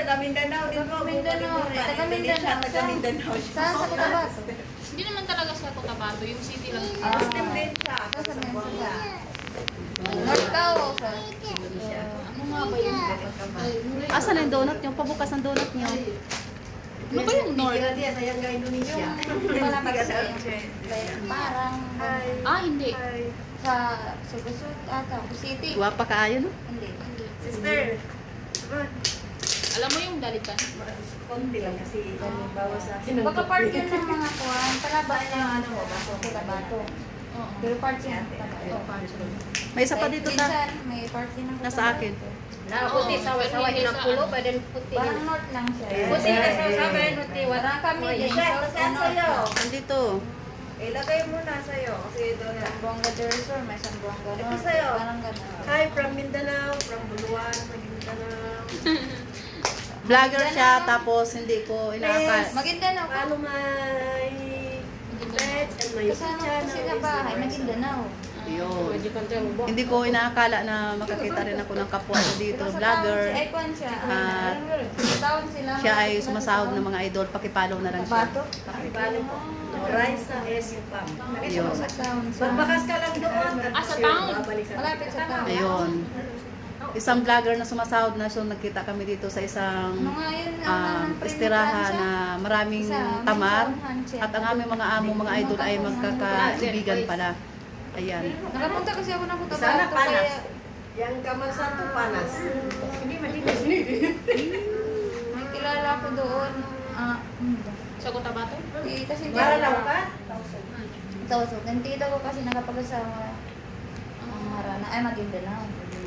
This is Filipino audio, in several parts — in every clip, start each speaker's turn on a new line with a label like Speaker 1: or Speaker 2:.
Speaker 1: taga Mindanao din po.
Speaker 2: Mindanao. Taga Mindanao.
Speaker 1: Taga Mindanao siya.
Speaker 2: Saan sa Cotabato?
Speaker 3: Hindi naman talaga sa Cotabato, yung city lang.
Speaker 1: Muslim din siya.
Speaker 2: Saan sa Mensa? North Cao, sir.
Speaker 3: Ano nga ba yun?
Speaker 4: Asan ang donut nyo? Pabukas ang donut nyo.
Speaker 3: Ano ba yung North?
Speaker 1: Sila dia sayang ka Indonesia.
Speaker 2: Malapit sa parang
Speaker 3: Hindi.
Speaker 2: sa Sugasut ata, City.
Speaker 4: Guwapa kaayo, no?
Speaker 2: Hindi.
Speaker 1: Sister.
Speaker 3: Alam mo yung dalitan?
Speaker 1: Konti lang kasi bawas sa akin.
Speaker 2: Baka part yun ng mga kuwan. Palaban na ano mo, Cotabato.
Speaker 3: Oo.
Speaker 2: Pero part yun ng Cotabato.
Speaker 4: May isa pa dito sa...
Speaker 2: Minsan, may part din ng
Speaker 4: Nasa akin.
Speaker 5: Puti, sawa-sawa din ang pulo, pa din puti.
Speaker 2: Parang north lang siya.
Speaker 5: Puti na sawa-sawa, puti.
Speaker 2: Parang kami din.
Speaker 1: Saan sa'yo?
Speaker 4: Nandito.
Speaker 1: Ilagay mo na sa'yo. Kasi doon na.
Speaker 2: Sambuanga del Sur, may Sambuanga
Speaker 1: Ito
Speaker 2: North.
Speaker 1: sa'yo.
Speaker 2: Parang gano'n.
Speaker 1: Hi, from Mindanao, from Buluan, from Mindanao.
Speaker 4: Vlogger siya, tapos hindi ko inaakal.
Speaker 2: Maguindanao ka.
Speaker 1: Follow my page and my YouTube
Speaker 2: Kasama ko
Speaker 1: channel.
Speaker 2: sila bahay, Maguindanao.
Speaker 4: Yun. Hindi ko inaakala na makakita rin ako ng kapwa ko dito, vlogger.
Speaker 2: Ay, kwan siya.
Speaker 4: At
Speaker 2: Sa taon sila.
Speaker 4: Siya ay sumasahod ng mga idol, pakipollow na lang siya.
Speaker 2: Bato?
Speaker 1: Pakibalo po. Rise na SU Pam.
Speaker 4: Ayun.
Speaker 2: Sa taon siya.
Speaker 1: Magbakas ka lang doon.
Speaker 3: Sa town.
Speaker 2: Malapit sa taon.
Speaker 4: Ayun. Isang vlogger na sumasahod na, so nagkita kami dito sa isang
Speaker 2: Mga yun ang
Speaker 4: istirahan na maraming tamar. At ang aming mga amo, mga idol ay magkakaibigan pala. Ayan.
Speaker 2: Nakapunta kasi ako ng Cotabato.
Speaker 1: Sana panas.
Speaker 2: Kaya
Speaker 1: Yang kamar satu panas.
Speaker 2: may kilala ko doon.
Speaker 3: Sa Cotabato?
Speaker 2: Kasi
Speaker 1: Para lang ka?
Speaker 2: Tawasok. Yung tita ko kasi nakapag-asawa ang Marana. Ay, Maguindanao.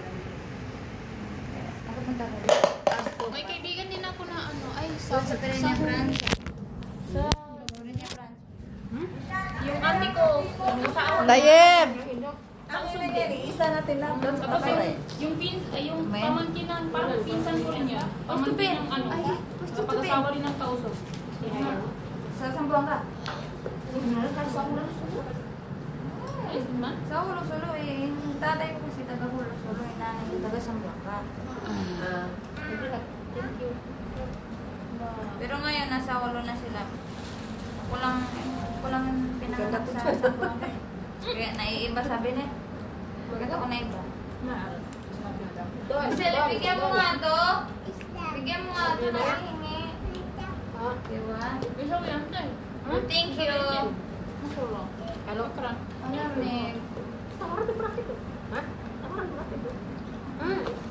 Speaker 2: Kaya nakapunta ko doon.
Speaker 3: May kaibigan din ako na ano, ay
Speaker 2: Doon sa Pereña Branch.
Speaker 3: Sa
Speaker 2: Pereña Branch.
Speaker 3: yung ate ko, sa
Speaker 4: Tayeb!
Speaker 1: Isa natin lang doon.
Speaker 3: Tapos yung yung pamangkin ng parang pinsan ko rin yun. Pamangkin ng ano, kapag-asawa rin ng kausap.
Speaker 2: Sa Sambuanga.
Speaker 3: Ay, man?
Speaker 2: Sa Hulo-Sulo eh. Yung tatay ko kasi taga Hulo-Sulo. Yung nanay ko taga Sambuanga.
Speaker 3: Thank you.
Speaker 2: Pero ngayon, nasa Hulo na sila. Kulang yung pinanganak sa Sambuanga. Kaya naiiba sabi niya. Bakit ako naiba? Sila, bigyan mo nga to. Bigyan mo nga to na hihingi. Diba?
Speaker 3: Bisa ko yan, tay.
Speaker 2: Thank you.
Speaker 3: Masuro. Kalau keran.
Speaker 2: Alam eh.
Speaker 5: Tawaran di praktik. Hah? Tawaran di praktik.